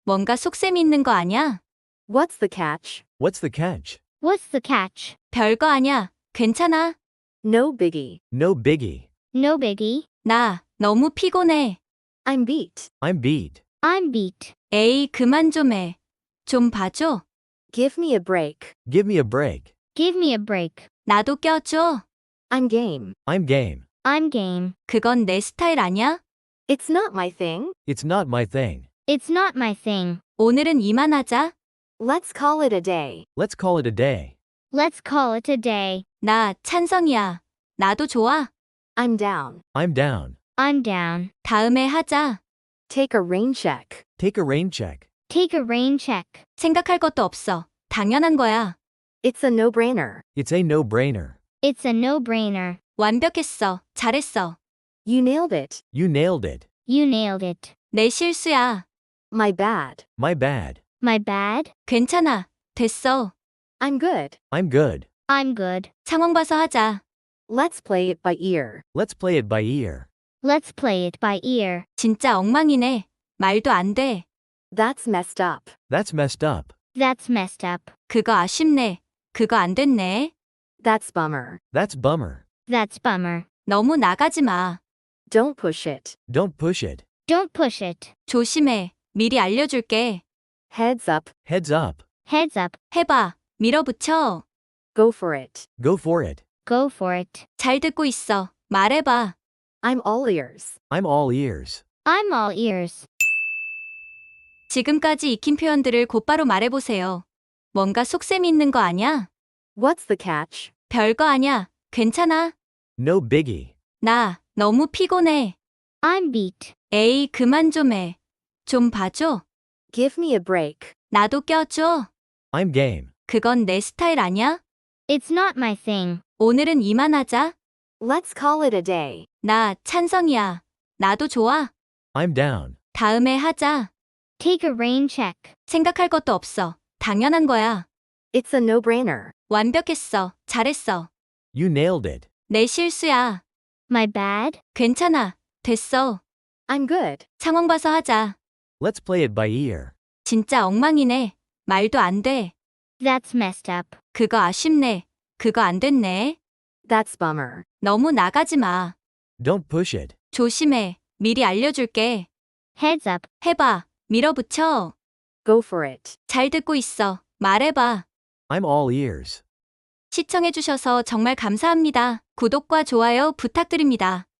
뭔가 속셈이 있는 거 아냐? What's the catch? What's the catch? What's the catch? 별거 아냐. 괜찮아. No biggie. No biggie. No biggie. 나 너무 피곤해. I'm beat. I'm beat. I'm beat. 에이, 그만 좀 해. 좀 봐줘. Give me a break. Give me a break. Give me a break. 나도 껴줘. I'm game. I'm game. I'm game. 그건 내 스타일 아냐? It's not my thing. It's not my thing. It's not my thing. 오늘은 이만하자. Let's call it a day. Let's call it a day. Let's call it a day. 나 찬성이야. 나도 좋아. I'm down. I'm down. I'm down. 다음에 하자. Take a rain check. Take a rain check. Take a rain check. 생각할 것도 없어. 당연한 거야. It's a no-brainer. It's a no-brainer. It's a no-brainer. 완벽했어. 잘했어. You nailed it. You nailed it. You nailed it. 내 실수야. My bad. My bad. My bad? 괜찮아. 됐어. I'm good. I'm good. I'm good. 상황 봐서 하자. Let's play it by ear. Let's play it by ear. Let's play it by ear. 진짜 엉망이네. 말도 안 돼. That's messed up. That's messed up. That's messed up. 그거 아쉽네. 그거 안 됐네. That's bummer. That's bummer. That's bummer. 너무 나가지 마. Don't push it. Don't push it. Don't push it. 조심해. 미리 알려줄게. Heads up. Heads up. Heads up. 해봐. 밀어붙여. Go for it. Go for it. Go for it. 잘 듣고 있어. 말해봐. I'm all ears. I'm all ears. I'm all ears. 지금까지 익힌 표현들을 곧바로 말해보세요. 뭔가 속셈이 있는 거 아냐? What's the catch? 별거 아냐. 괜찮아. No biggie. 나 너무 피곤해. I'm beat. 에이, 그만 좀 해. 좀 봐줘. Give me a break. 나도 껴줘. I'm game. 그건 내 스타일 아냐? It's not my thing. 오늘은 이만하자. Let's call it a day. 나 찬성이야. 나도 좋아. I'm down. 다음에 하자. Take a rain check. 생각할 것도 없어. 당연한 거야. It's a no-brainer. 완벽했어. 잘했어. You nailed it. 내 실수야. My bad? 괜찮아. 됐어. I'm good. 상황 봐서 하자. Let's play it by ear. 진짜 엉망이네. 말도 안 돼. That's messed up. 그거 아쉽네. 그거 안 됐네. That's bummer. 너무 나가지 마. Don't push it. 조심해. 미리 알려줄게. Heads up. 해봐. 밀어붙여. Go for it. 잘 듣고 있어. 말해봐. I'm all ears. 시청해주셔서 정말 감사합니다. 구독과 좋아요 부탁드립니다.